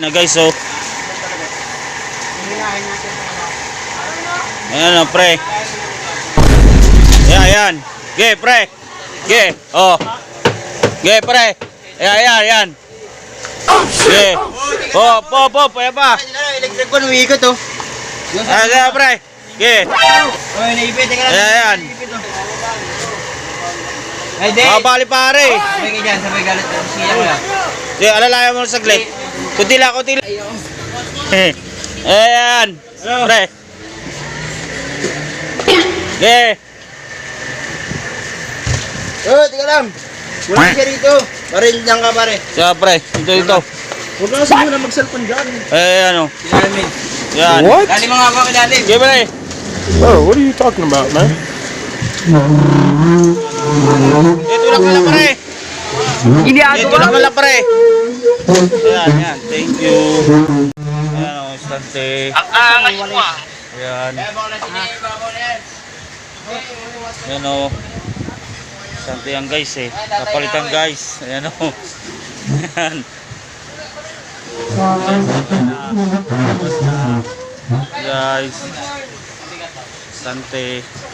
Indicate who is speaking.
Speaker 1: Na guys, oh. Ayan, oh, pre. Ayan, ayan. Ge, pre. Ge, oh. Ge, pre. Ayan, ayan, ayan. Ge. Oh, po, ayan pa.
Speaker 2: Electric ko, nuwi ko to.
Speaker 1: Ayan, ayan, pre. Ge.
Speaker 2: Oy, naipit ka lang.
Speaker 1: Ayan.
Speaker 2: Ay, di.
Speaker 1: Bali pare.
Speaker 2: Sabay ka dyan, sabay galit. Siya ko lang.
Speaker 1: Sige, alalayan mo saglit. Kunti lang. Ayan. Pre. Ge.
Speaker 2: Oh, tika lang. Wala siya rito. Parin lang ka, pare.
Speaker 1: Siya, pre. Ito.
Speaker 2: Huwag na kasi muna mag-cellphone dyan.
Speaker 1: Ayan, oh.
Speaker 2: Ilalim.
Speaker 1: Yan.
Speaker 3: What?
Speaker 2: Dali mga ba kilalim?
Speaker 1: Ge, pre.
Speaker 3: Bro, what are you talking about, man?
Speaker 1: Ito lang pala, pre. Ito lang pala, pre. Ayan. Thank you. Ayan, oh. Stante.
Speaker 2: Ang angas mo ah.
Speaker 1: Ayan. Ayan, oh. Stante yan, guys, eh. Kapalitan, guys. Ayan, oh. Ayan. Guys. Stante.